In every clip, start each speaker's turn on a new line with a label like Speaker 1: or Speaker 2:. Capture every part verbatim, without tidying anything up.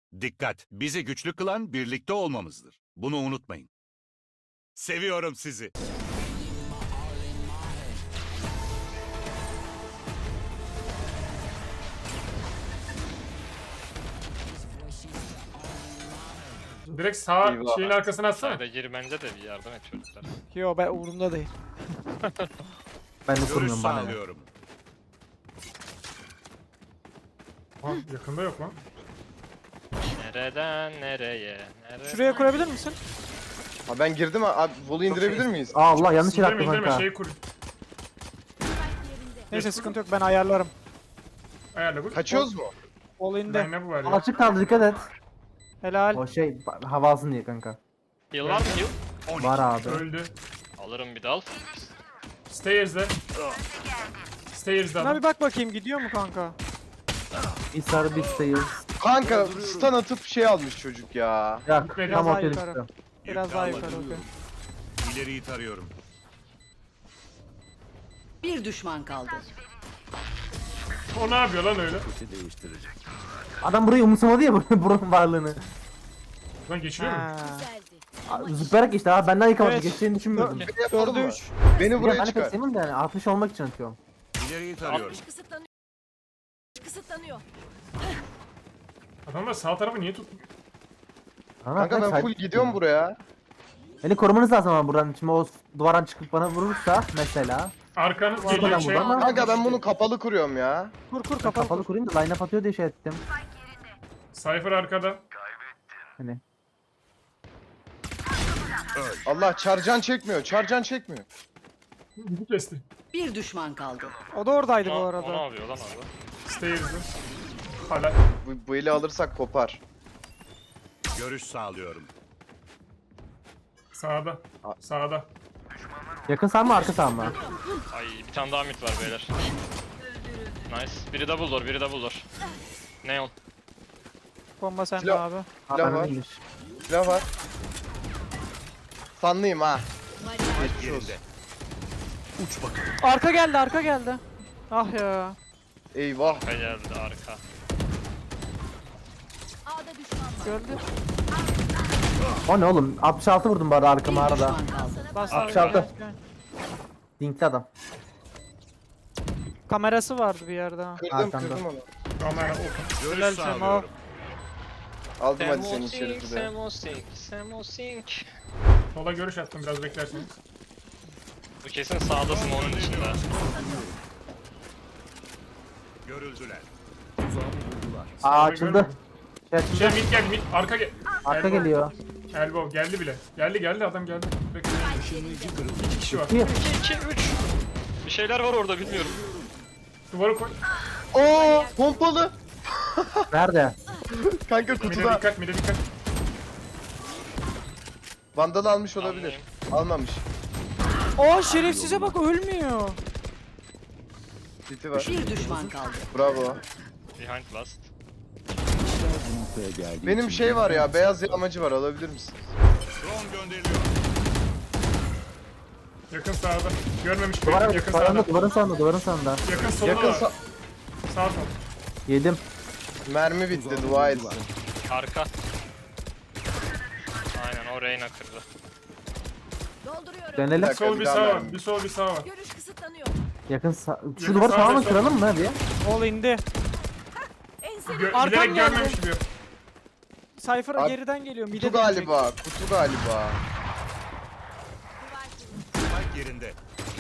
Speaker 1: Dikkat! Bizi güçlü kılan birlikte olmamızdır. Bunu unutmayın. Seviyorum sizi.
Speaker 2: Direkt sağ
Speaker 3: Eyvah.
Speaker 2: şeyin arkasına atsana.
Speaker 4: Sayda gir bence de bir yardım et çocuklar.
Speaker 5: Yo ben umurumda değil.
Speaker 6: Ben de
Speaker 1: Görüş
Speaker 6: kurmuyorum bana. ya.
Speaker 1: sağlıyorum.
Speaker 2: Ha, yakında yok lan.
Speaker 4: Nereden nereye? Nereden?
Speaker 5: Şuraya kurabilir misin?
Speaker 3: Ha ben girdim ha. Abi volu indirebilir miyiz?
Speaker 6: Aa Allah yanlış yere
Speaker 2: İndirme
Speaker 6: attım
Speaker 2: indirme
Speaker 6: kanka.
Speaker 2: şeyi kur.
Speaker 5: Neyse sıkıntı yok ben ayarlarım.
Speaker 2: Ayarla bu.
Speaker 3: Kaçıyoruz mu?
Speaker 5: Ol indi.
Speaker 2: Ben ne bu var ya?
Speaker 6: Açık kaldı dikkat et.
Speaker 5: Helal.
Speaker 6: O şey ba- hava alsın diye kanka.
Speaker 4: Heal var mı heal?
Speaker 6: Var abi.
Speaker 2: Öldü.
Speaker 4: Alırım bir dal.
Speaker 2: Stairs'de. Stairs'de
Speaker 5: Buna
Speaker 2: adam.
Speaker 5: bir bak bakayım gidiyor mu kanka?
Speaker 6: Bir sarı bir sayız.
Speaker 3: Kanka stun atıp şey almış çocuk ya.
Speaker 6: Ya
Speaker 2: Gitmedi.
Speaker 6: tam
Speaker 5: Biraz
Speaker 6: ortaya
Speaker 5: daha yukarı.
Speaker 6: düştü.
Speaker 5: Biraz daha yukarı okey.
Speaker 1: İleriyi tarıyorum.
Speaker 7: Bir düşman kaldı.
Speaker 2: O ne yapıyor lan öyle?
Speaker 6: Adam burayı umursamadı ya buranın, buranın varlığını.
Speaker 2: Lan geçiyor mu?
Speaker 5: Ha.
Speaker 6: Aa, Zıplayarak işte abi benden yıkamadı.
Speaker 5: Evet.
Speaker 6: Geçeceğini düşünmüyordum.
Speaker 5: Dö-
Speaker 3: Böyle yapalım
Speaker 5: Dördü
Speaker 3: mı?
Speaker 5: üç.
Speaker 3: Beni
Speaker 6: Ya
Speaker 3: buraya
Speaker 6: ben
Speaker 3: çıkar.
Speaker 6: pek sevmiyorum da yani altmış olmak için atıyorum.
Speaker 1: İleriyi tarıyorum.
Speaker 7: Kısıtlanıyor. Kısıtlanıyor.
Speaker 2: Adamlar sağ tarafı niye tutmuyor?
Speaker 6: Ana,
Speaker 3: Kanka ben
Speaker 6: kaç-
Speaker 3: full gidiyorum buraya.
Speaker 6: Beni korumanız lazım ama buradan. Şimdi o duvardan çıkıp bana vurursa mesela.
Speaker 2: Arkanız
Speaker 6: Arkadan
Speaker 2: geliyor şey.
Speaker 6: buradan mı?
Speaker 3: Kanka ben bunu kapalı kuruyorum ya.
Speaker 5: Kur kur kapalı.
Speaker 6: Kapalı kurayım da line up atıyor diye şey ettim.
Speaker 2: Cypher arkada.
Speaker 6: Hani.
Speaker 3: Allah çarcan çekmiyor. Çarcan çekmiyor.
Speaker 2: Bizi kesti.
Speaker 7: Bir düşman kaldı.
Speaker 5: O da oradaydı bu
Speaker 4: O, o ne
Speaker 5: arada.
Speaker 4: yapıyor lan orada?
Speaker 2: Stairs'de. Hala.
Speaker 3: Bu, bu eli alırsak kopar.
Speaker 1: Görüş sağlıyorum.
Speaker 2: Sağda. Sağda.
Speaker 6: Yakın sağ mı arka sağ mı?
Speaker 4: Ay bir tane daha mid var beyler. Nice. Biri double door, biri double door. Neon.
Speaker 5: Bomba sende
Speaker 3: Silah-
Speaker 5: abi.
Speaker 3: Silah var.
Speaker 6: Iyiymiş.
Speaker 3: Silah var. Sanlıyım ha.
Speaker 1: Yerinde. Uç bakalım.
Speaker 5: Arka geldi arka geldi. Ah ya.
Speaker 3: Eyvah.
Speaker 4: Arka geldi arka.
Speaker 7: A'da düşman var.
Speaker 5: Gördü.
Speaker 6: O ne oğlum? altmış altı vurdum bu arada
Speaker 7: Bir
Speaker 6: arkama arada.
Speaker 7: düşman kaldı.
Speaker 5: Bas
Speaker 6: altmış
Speaker 5: abi,
Speaker 6: altı.
Speaker 5: gel, gel.
Speaker 6: Dinkli adam.
Speaker 5: Kamerası vardı bir yerde ha.
Speaker 3: Kırdım
Speaker 6: Arkamda.
Speaker 3: kırdım onu.
Speaker 2: Kamera open.
Speaker 1: Görüş
Speaker 5: Helal Sema.
Speaker 1: sağlıyorum.
Speaker 3: Aldım hadi senin
Speaker 4: Semosink,
Speaker 3: şerifi de.
Speaker 4: Semosink, Semosink.
Speaker 2: Sola görüş attım biraz beklerseniz.
Speaker 4: Bu kesin sağdasın onun içinde.
Speaker 1: Görüldüler.
Speaker 6: Aa açıldı. Şey açıldı.
Speaker 2: Şey mid geldi mid. Arka gel.
Speaker 6: Arka
Speaker 2: Elbow.
Speaker 6: geliyor.
Speaker 2: Elbow geldi bile. Geldi geldi adam geldi. Bekle. İki kişi var.
Speaker 6: Bir.
Speaker 4: iki, iki, üç. Bir şeyler var orada bilmiyorum.
Speaker 2: Duvarı koy.
Speaker 3: Oo pompalı.
Speaker 6: Nerede?
Speaker 3: Kanka
Speaker 2: Mide
Speaker 3: kutuda.
Speaker 2: dikkat mide dikkat.
Speaker 3: Vandal almış olabilir. Almamış.
Speaker 5: Aa şerefsize bak ölmüyor.
Speaker 3: City var.
Speaker 7: Bir düşman kaldı.
Speaker 3: Bravo.
Speaker 4: Behind last.
Speaker 3: Benim şey var ya, beyaz yağmacı var, alabilir misin?
Speaker 1: Drone gönderiliyor.
Speaker 2: Yakın sağda. Görmemiş
Speaker 6: Duvarın,
Speaker 2: beni. Yakın sağda.
Speaker 6: duvarın, duvarın sağında, duvarın sağında.
Speaker 2: Yakın solda
Speaker 3: Yakın
Speaker 2: var.
Speaker 3: sa-
Speaker 2: Sağ sol.
Speaker 6: Yedim.
Speaker 3: mermi bitti, dua etsin.
Speaker 4: Arka. Aynen o Reyna kırdı.
Speaker 7: Dolduruyorum.
Speaker 3: Bir
Speaker 6: Dönelim.
Speaker 3: dakika,
Speaker 2: Sol bir
Speaker 3: bir daha
Speaker 2: sağ var.
Speaker 3: mermi.
Speaker 2: Bir sol bir sağ var.
Speaker 7: Görüş kısıtlanıyor.
Speaker 6: Yakın sağ... Şu
Speaker 2: Yakın
Speaker 6: duvarı
Speaker 2: sağ
Speaker 6: tamamen
Speaker 2: ve sol.
Speaker 6: kıralım mı bir?
Speaker 5: Ol indi.
Speaker 7: Enseli.
Speaker 2: Gö
Speaker 5: Arkam
Speaker 2: bilerek
Speaker 5: geldi.
Speaker 2: görmemiş gibi.
Speaker 5: Cypher
Speaker 3: Abi,
Speaker 5: geriden geliyor. Mide
Speaker 3: Kutu
Speaker 5: dönecek.
Speaker 3: galiba, kutu galiba.
Speaker 1: Spike yerinde.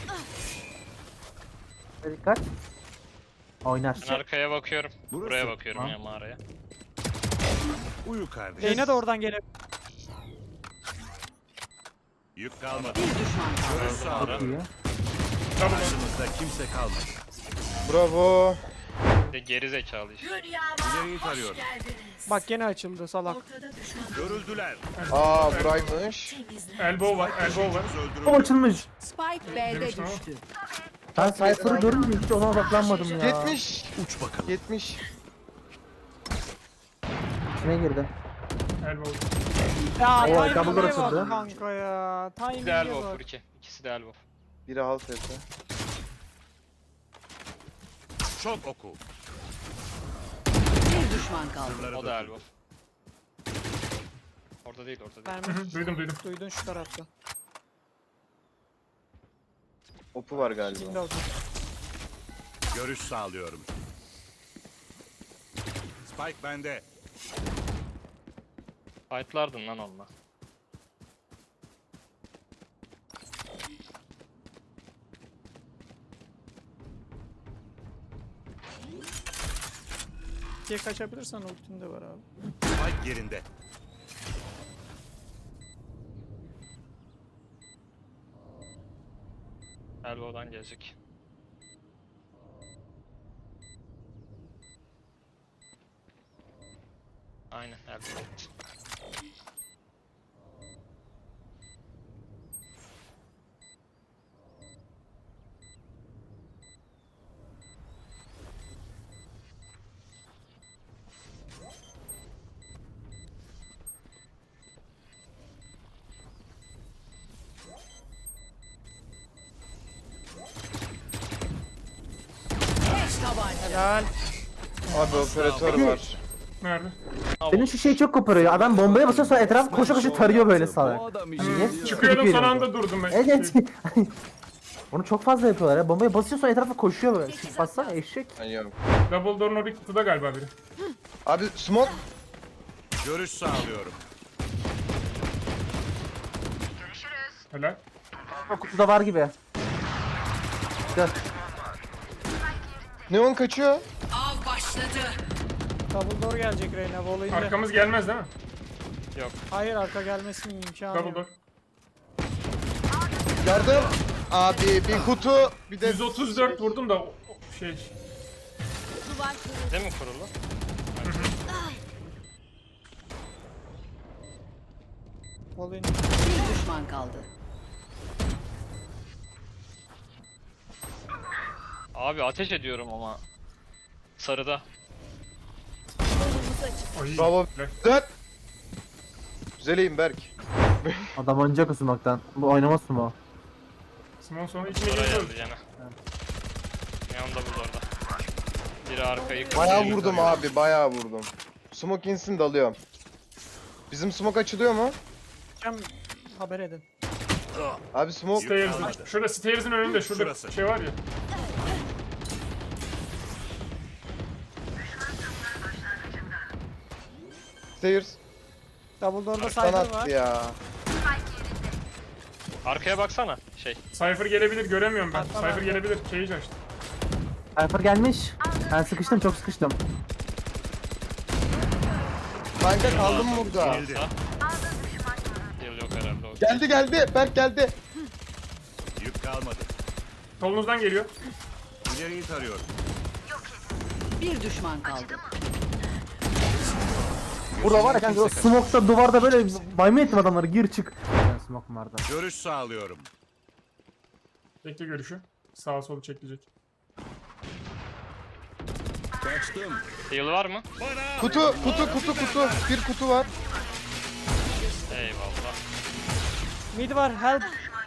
Speaker 6: Dikkat. Oynar.
Speaker 4: Ben arkaya bakıyorum.
Speaker 1: Burası.
Speaker 4: Buraya bakıyorum
Speaker 6: Ha.
Speaker 4: ya mağaraya.
Speaker 1: Uyu kardeş.
Speaker 5: Reyna de oradan gelebilir.
Speaker 1: Yük kalmadı.
Speaker 7: Bir düşman kaldı.
Speaker 1: Görüş sağlıyorum.
Speaker 6: İyi.
Speaker 2: Tamam.
Speaker 1: Karşımızda kimse kalmadı.
Speaker 3: Bravo.
Speaker 4: Bir de geri zekalı işte.
Speaker 1: İleriyi tarıyorum.
Speaker 5: Bak gene açıldı salak.
Speaker 1: Görüldüler.
Speaker 3: Aa buraymış.
Speaker 2: Elbow var. Elbow var.
Speaker 6: O
Speaker 1: Öldürüldü.
Speaker 6: açılmış.
Speaker 7: Spike B'de
Speaker 2: Demiş mi o?
Speaker 7: düştü.
Speaker 6: Ben Cypher'ı görünce hiç ona odaklanmadım ya.
Speaker 3: yetmiş.
Speaker 1: Uç bakalım.
Speaker 3: yetmiş.
Speaker 6: İçine girdi.
Speaker 2: Elbow.
Speaker 5: Ya
Speaker 6: Oo,
Speaker 5: timing'e
Speaker 6: double
Speaker 5: bak
Speaker 6: açıldı.
Speaker 5: kanka ya.
Speaker 4: İkisi de
Speaker 5: Timing'e
Speaker 4: elbow
Speaker 5: bak.
Speaker 4: Furki. İkisi de elbow.
Speaker 3: Biri half etti.
Speaker 1: Çok oku.
Speaker 7: Bir düşman kaldı.
Speaker 1: Sırları
Speaker 4: O da
Speaker 1: dökün.
Speaker 4: elbow. Orada değil orada değil.
Speaker 2: Hı
Speaker 5: Verme.
Speaker 2: hı, duydum duydum.
Speaker 5: Duydun şu tarafta.
Speaker 3: Opu var galiba.
Speaker 5: Şimdi oldu.
Speaker 1: Görüş sağlıyorum. Spike bende.
Speaker 4: Fightlardın lan onunla.
Speaker 5: İkiye kaçabilirsen ultin de var abi.
Speaker 1: Spike yerinde.
Speaker 4: Elbow'dan gelecek. Aynen elbow.
Speaker 7: Beş tabanca.
Speaker 5: Helal.
Speaker 3: Abi operatör var.
Speaker 2: Nerede?
Speaker 6: Senin şu şey çok koparıyor. Adam bombaya basıyor sonra etraf koşa koşa tarıyor böyle sağa. Niye?
Speaker 2: Çıkıyordum son anda durdum ben.
Speaker 6: Evet. Onu çok fazla yapıyorlar ya. Bombaya basıyor sonra etrafa koşuyor böyle. Bassana eşek.
Speaker 3: Ben yok.
Speaker 2: Double door'un oraya kutuda galiba biri.
Speaker 3: Abi smoke.
Speaker 1: Görüş sağlıyorum.
Speaker 2: Helal.
Speaker 6: O kutuda var gibi. Gel.
Speaker 3: Neon kaçıyor.
Speaker 7: Av başladı.
Speaker 5: Double door gelecek Reyna. Volley'inde.
Speaker 2: Arkamız gelmez değil mi?
Speaker 5: Hayır arka gelmesinin imkanı
Speaker 2: Double
Speaker 5: yok.
Speaker 2: door.
Speaker 3: Yardım. Abi bir kutu bir de
Speaker 2: yüz otuz dört vurdum da o- o şey.
Speaker 7: Duvar kırıldı.
Speaker 4: Değil mi kurulu?
Speaker 5: Volley'inde.
Speaker 7: Bir düşman kaldı.
Speaker 4: Abi ateş ediyorum ama. Sarıda.
Speaker 7: Yolumuzu açık.
Speaker 2: Ay.
Speaker 3: bravo.
Speaker 2: Helal.
Speaker 3: Güzel. Güzeleyim Berk.
Speaker 6: Adam oynayacak o smoke'tan. Bu oynamaz mı o?
Speaker 2: Simon sonra içine
Speaker 4: Oraya
Speaker 2: giriyor.
Speaker 4: geldi gene. Neon double orada. Biri arkayı
Speaker 3: Bayağı
Speaker 4: biri
Speaker 3: vurdum
Speaker 4: yukarı.
Speaker 3: abi bayağı vurdum. Smoke insin dalıyorum. Bizim smoke açılıyor mu?
Speaker 5: Cem haber edin.
Speaker 3: Abi smoke.
Speaker 2: Stairs'ın. Şurada Stairs'ın önünde şurada
Speaker 1: Şurası.
Speaker 2: şey var ya.
Speaker 3: Stairs.
Speaker 5: Double door'da
Speaker 3: Sana
Speaker 5: cypher var.
Speaker 3: attı ya.
Speaker 4: Arkaya baksana. Şey.
Speaker 2: Cypher gelebilir göremiyorum ben.
Speaker 5: Atla
Speaker 2: Cypher
Speaker 5: ben.
Speaker 2: gelebilir. Cage açtı.
Speaker 6: Cypher gelmiş. Ben sıkıştım çok sıkıştım.
Speaker 3: Kanka kaldım burada.
Speaker 1: Yenildi.
Speaker 4: Yıl yok herhalde o.
Speaker 3: Geldi geldi. Berk geldi.
Speaker 1: Yük kalmadı.
Speaker 2: Solunuzdan geliyor.
Speaker 1: İleriyi tarıyorum.
Speaker 7: Bir düşman kaldı.
Speaker 6: Burada var ya kanka o smoke'ta duvarda böyle maymun ettim adamları gir çık. Yani smoke vardı.
Speaker 1: Görüş sağlıyorum.
Speaker 2: Bekle görüşü. Sağa solu çekilecek.
Speaker 1: Kaçtım.
Speaker 4: Heal var mı?
Speaker 3: Kutu kutu kutu kutu. Bir kutu var.
Speaker 4: Eyvallah.
Speaker 5: Mid var help.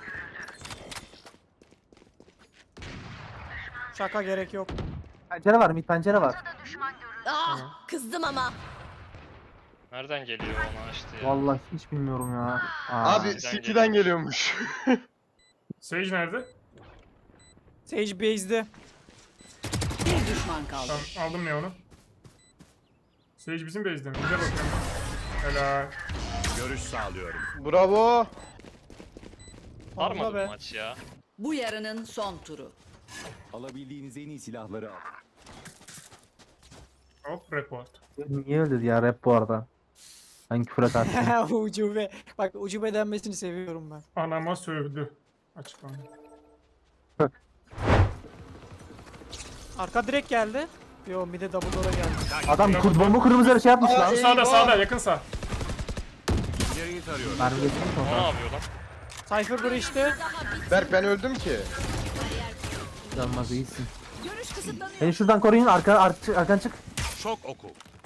Speaker 5: Şaka gerek yok.
Speaker 6: Pencere var mid pencere var.
Speaker 7: Ah, kızdım ama.
Speaker 4: Nereden geliyor onu açtı ya?
Speaker 6: Vallahi hiç bilmiyorum ya. Aa.
Speaker 3: Abi City'den geliyormuş.
Speaker 2: Sage nerede?
Speaker 5: Sage base'de.
Speaker 7: Bir düşman kaldı.
Speaker 2: Tamam aldım ne onu. Sage bizim base'de mi? Bize bakıyorum. Helal.
Speaker 1: Görüş sağlıyorum.
Speaker 3: Bravo.
Speaker 4: Sarmadı
Speaker 5: Abla
Speaker 4: bu
Speaker 5: be.
Speaker 4: maç ya.
Speaker 7: Bu yarının son turu.
Speaker 8: Alabildiğiniz en iyi silahları al.
Speaker 2: Hop report.
Speaker 6: Niye öyle dedi ya rap bu arada. Ben küfür edersin.
Speaker 5: Ucube. Bak ucube denmesini seviyorum ben.
Speaker 2: Anama sövdü. Açıklama.
Speaker 5: Arka direkt geldi. Yo mid'e double door'a geldi.
Speaker 6: Adam kur, bomba kırmızı şey yapmış
Speaker 3: Aa,
Speaker 6: lan.
Speaker 3: iyi.
Speaker 2: Sağda
Speaker 3: Eyvah.
Speaker 2: sağda yakın sağ.
Speaker 1: İleriyi tarıyorum.
Speaker 6: Mermi geçmiş
Speaker 4: O ne
Speaker 6: sonra.
Speaker 4: yapıyor lan?
Speaker 5: Cypher breach'te.
Speaker 3: Berk ben öldüm ki.
Speaker 6: Yanmaz iyisin.
Speaker 7: Görüş kısıtlanıyor.
Speaker 6: Beni şuradan koruyun arka, arka arkan çık.
Speaker 1: Şok oku.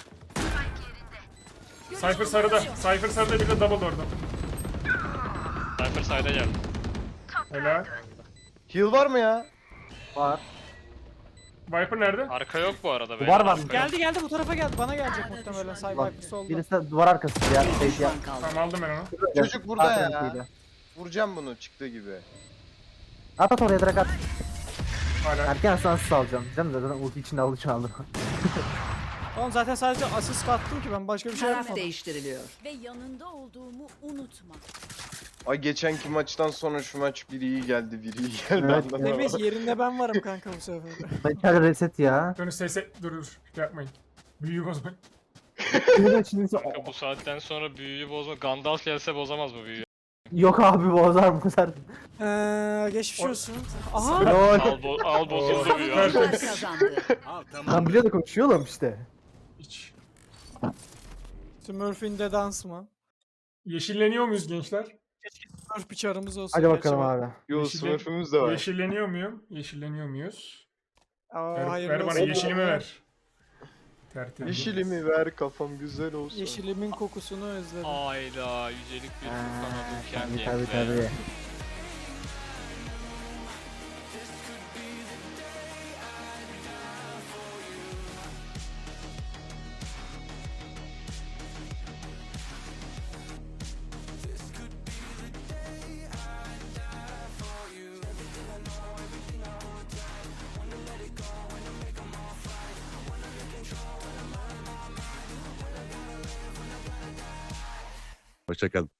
Speaker 2: Cypher sarıda. Cypher sarıda bir de double orada.
Speaker 4: Cypher side'a geldi.
Speaker 2: Helal.
Speaker 3: Heal var mı ya?
Speaker 6: Var.
Speaker 2: Viper nerede?
Speaker 4: Arka yok bu arada beyler.
Speaker 6: Duvar var.
Speaker 4: arka yok.
Speaker 5: Geldi geldi bu tarafa geldi. Bana gelecek muhtemelen. Side
Speaker 6: Bak,
Speaker 5: Viper solda.
Speaker 6: birisi de duvar arkası ya.
Speaker 7: Bir
Speaker 6: Sage ya.
Speaker 7: düşman kaldı.
Speaker 2: Tamam aldım ben onu.
Speaker 3: Çocuk burada ya.
Speaker 6: Arkasıyla.
Speaker 3: Vuracağım bunu çıktığı gibi.
Speaker 6: At at oraya direkt at.
Speaker 2: Hala.
Speaker 6: Erken sansız alacağım. Değil mi? Zaten ulti içinde aldı çaldı.
Speaker 5: Oğlum zaten sadece asist kattım ki ben başka bir şey
Speaker 7: Taraf
Speaker 5: yapmadım.
Speaker 7: değiştiriliyor.
Speaker 9: Ve yanında olduğumu unutma.
Speaker 3: Ay geçenki maçtan sonra şu maç biri iyi geldi, biri iyi geldi.
Speaker 6: Evet.
Speaker 3: anlamadım.
Speaker 5: Demek yerinde ben varım kanka bu sefer.
Speaker 6: Ben içeride reset ya.
Speaker 2: Dönüş sese dur dur. Şey yapmayın. Büyüğü bozmayın.
Speaker 6: Şimdi şimdi
Speaker 4: Kanka bu saatten sonra büyüyü bozma. Gandalf gelse bozamaz bu büyüyü.
Speaker 6: yok abi bozar bozar.
Speaker 5: Eee geçmiş olsun. Aha.
Speaker 6: Lol.
Speaker 4: Al, bo al bozuldu büyü.
Speaker 2: Evet.
Speaker 7: Onlar kazandı.
Speaker 6: Ben biliyordum konuşuyor oğlum işte.
Speaker 2: Hiç.
Speaker 5: Smurf'in de dans mı?
Speaker 2: Yeşilleniyor muyuz gençler?
Speaker 5: Smurf bir çarımız olsun.
Speaker 6: Hadi bakalım
Speaker 5: gerçi.
Speaker 6: abi.
Speaker 3: Yo
Speaker 2: Yeşille-
Speaker 3: smurfümüz de var.
Speaker 2: Yeşilleniyor muyum? Yeşilleniyor muyuz?
Speaker 5: Aa,
Speaker 2: Ver,
Speaker 5: hayırlı
Speaker 2: ver bana
Speaker 5: olsun.
Speaker 2: yeşilimi ver. Tertemiz.
Speaker 3: Yeşilimi ver kafam güzel olsun.
Speaker 5: Yeşilimin kokusunu özledim.
Speaker 4: Hayda yücelik bir kanadım
Speaker 6: Tabii
Speaker 4: kendi
Speaker 6: tabii tabii.
Speaker 1: Hoşçakalın.